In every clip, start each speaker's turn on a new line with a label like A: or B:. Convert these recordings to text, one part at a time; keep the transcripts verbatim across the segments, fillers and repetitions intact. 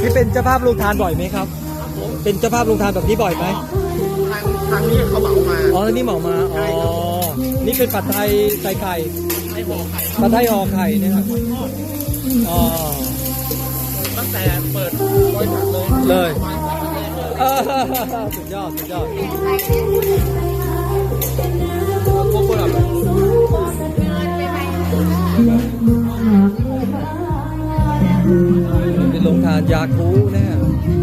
A: นี่เป็นเจ้าภาพลงทานบ่อยไหมครับเป็นเจ้าภาพลงทานแบบนี้บ่อยไหม
B: ทางทางนี้เขาเหมามา
A: อ๋อทางนี้เหมามาอ๋อนี่เป็นผัดไทยใส่ไข่ผัดไทยห่อไข่นะครับอ๋อ
B: ตั้งแต่เปิดบริษัทเลย
A: เลยสุดยอดสุดยอดพวกเราเป็นลงทานยาคูนะฮะ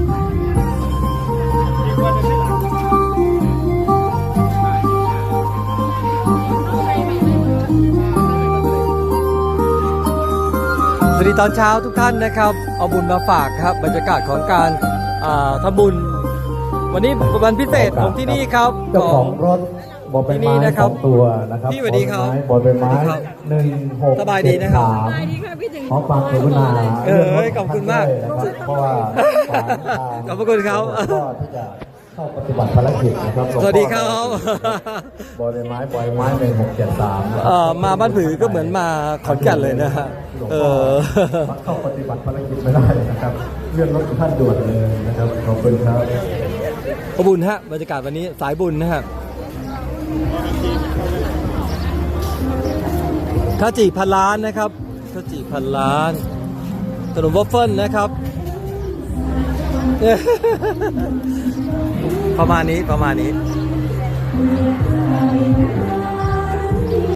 A: สวัสดีตอนเช้าทุกท่านนะครับเอาบุญมาฝากครับบรรยากาศของการทำบุญวันนี้วันพิเศษของที่นี่ครับ
C: เจ้าของรถบอใบไม้สองตัวนะครับ
A: พี่สวัสดีครับ
C: บอใบไม้หนึ่งหก
A: สบายดีนะครับ
C: ขอความกรุณา
A: เออขอบคุณมาก
C: เพราะว่า
A: ขอบคุณครับ
C: ก็ที่จะเข้าปฏิบัติภารกิจนะครับ
A: สวัสดีครับ
C: บอใบไม้บอใบไม้หนึ่งหกเจ็ดสาม
A: มาบ้านผือก็เหมือนมาขอนแก่นเลยนะฮะเออ
C: เข้าปฏิบัติภารกิจไม่ได้นะครับเลื่อนรถท่านด่วนเลยนะครับขอบคุณครับ
A: ขบุญฮะบรรยากาศวันนี้สายบุญนะฮะข้าวจี่พันล้านนะครับข้าวจี่พันล้านขนมวอฟเฟิลนะครับประมาณนี้ประมาณนี้